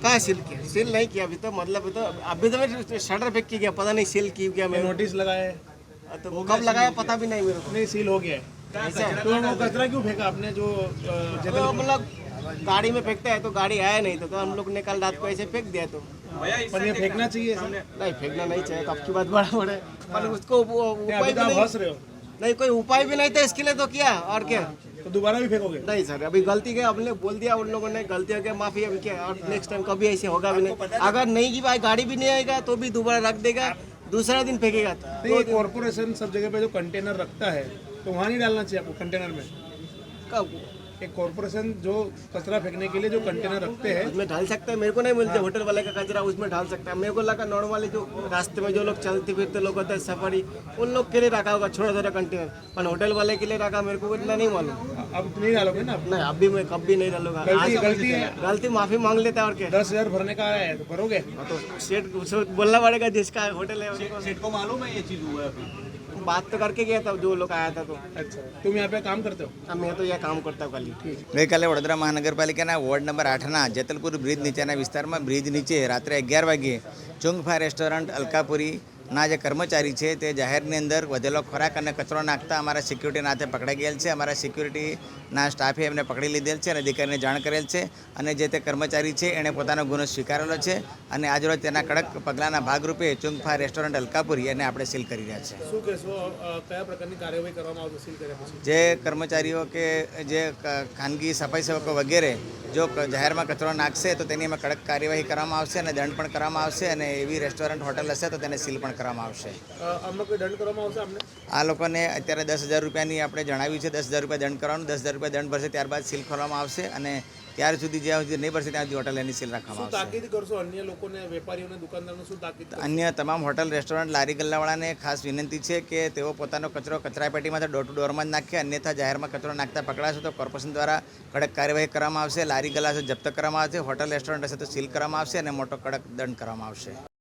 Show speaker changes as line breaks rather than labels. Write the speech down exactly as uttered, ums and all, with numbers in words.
कहाँ सील किया? सील नहीं किया अभी तो, मतलब तो अभी तो मैं शटर फेंक के गया, पता नहीं सील की क्या मैं।
नोटिस लगाया है?
तो कब लगाया पता भी नहीं मेरे को।
नहीं, सील हो गया है।
ऐसा है?
तो वो कचरा क्यों फेंका आपने जो अ,
तो
जगह
मतलब गाड़ी में फेंकता है तो गाड़ी आया नहीं तो, तो हम लोग ने कल रात को ऐसे फेंक दिया। तो
पर ये फेंकना चाहिए ऐसा?
नहीं फेंकना नहीं चाहिए, तो आपकी बात बड़ा बड़े, पर उसको वो
क्या
उपाय
अभी तो
भी
आप
नहीं,
हंस रहे हो?
नहीं कोई उपाय भी नहीं था इसके लिए, तो किया और क्या।
तो दोबारा भी फेंकोगे?
नहीं सर, अभी गलती के हमने बोल दिया, उन लोगों ने गलती हो गया, माफी अभी क्या, और नेक्स्ट टाइम कभी ऐसे होगा भी नहीं। अगर नहीं की भाई गाड़ी भी नहीं आएगा तो भी दोबारा रख देगा, दूसरा दिन फेंकेगा।
नहीं, ये कॉर्पोरेशन सब जगह पे जो कंटेनर रखता है तो वहाँ नहीं डालना चाहिए आपको कंटेनर में?
कब
एक कॉर्पोरेशन जो कचरा फेंकने के लिए जो कंटेनर रखते हैं
उसमें डाल सकता है, मेरे को नहीं मिलते होटल वाले का कचरा उसमें डाल सकता है। मेरे को लगा नॉर्मली जो रास्ते में जो लोग चलते फिरते लोग होते हैं सफारी, उन लोग के लिए रखा होगा छोटा छोटा कंटेनर, पर होटल वाले के लिए रखा मेरे को इतना नहीं मालूम।
अब नहीं डालोगे ना?
नहीं अभी मैं कभी नहीं डालूंगा।
गलती
आज
गलती है।
गलती माफी मांग लेता है और क्या।
दस हजार भरने का आया है तो भरोगे?
तो सेठ उसको बोलना पड़ेगा जिसका होटल है उनको।
सेठ को मालूम है ये चीज हुआ है अभी?
बात तो करके गया था जो लोग आया था। तो
अच्छा, तुम यहाँ पे काम करते हो?
अब मैं तो यह काम करता हूँ खाली।
ગઈકાલે વડોદરા મહાનગરપાલિકાના વોર્ડ નંબર આઠના જેતલપુર બ્રિજ નીચેના વિસ્તારમાં બ્રિજ નીચે રાત્રે અગિયાર વાગ્યે ચુંગફા રેસ્ટોરન્ટ અલકાપુરીના જે કર્મચારી છે તે જાહેરની અંદર વધેલો ખોરાક અને કચરો નાખતા અમારા સિક્યુરિટીના હાથે પકડાઈ ગયેલ છે. અમારા સિક્યુરિટીના સ્ટાફે એમને પકડી લીધેલ છે અને અધિકારીને જાણ કરેલ છે અને જે તે કર્મચારી છે એણે પોતાનો ગુનો સ્વીકારેલો છે અને આજરોજ તેના કડક પગલાંના ભાગરૂપે ચુંગફા રેસ્ટોરન્ટ અલકાપુરી એને આપણે સીલ કરી રહ્યા છે.
શું કહેશો, અ, કયા પ્રકારની કાર્યવાહી કરવામાં આવશે સીલ કર્યા પછી?
જે કર્મચારીઓ કે જે ક- ખાનગી સફાઈ સેવકો વગેરે જો ક- જાહેરમાં કચરો નાખશે તો તેની અમે કડક કાર્યવાહી કરવામાં આવશે અને દંડ પણ કરવામાં આવશે અને એવી રેસ્ટોરન્ટ હોટલ હશે તો તેને સીલ પણ કરવામાં આવશે.
અ, આમનો કોઈ દંડ કરવામાં આવશે અમને?
આ લોકોને અત્યારે દસ હજાર રૂપિયાની આપણે જણાવ્યું છે, દસ હજાર રૂપિયા દંડ કરવાનું, દસ હજાર રૂપિયા દંડ ભરશે ત્યારબાદ સીલ ખોલવામાં આવશે અને ત્યાર સુધી જ્યાં સુધી નહીં ભરશે ત્યાં સુધી હોટલ એની સીલ
શું
રાખવામાં આવશે.
તાકીદ કરશો અન્ય લોકોને, વેપારીઓને, દુકાનદારોને શું તાકીદ કરશો?
અન્ય તમામ હોટલ રેસ્ટોરન્ટ લારી ગલ્લાવાળાને ખાસ વિનંતી છે કે તેઓ પોતાનો કચરો કચરાપેટીમાંથી ડોર ટુ ડોરમાં જ નાખે, અન્યથા જાહેરમાં કચરો નાખતા પકડાશે તો કોર્પોરેશન દ્વારા કડક કાર્યવાહી કરવામાં આવશે. લારી ગલ્લા હશે જપ્ત કરવામાં આવશે, હોટલ રેસ્ટોરન્ટ હશે તો સીલ કરવામાં આવશે અને મોટો કડક દંડ કરવામાં આવશે.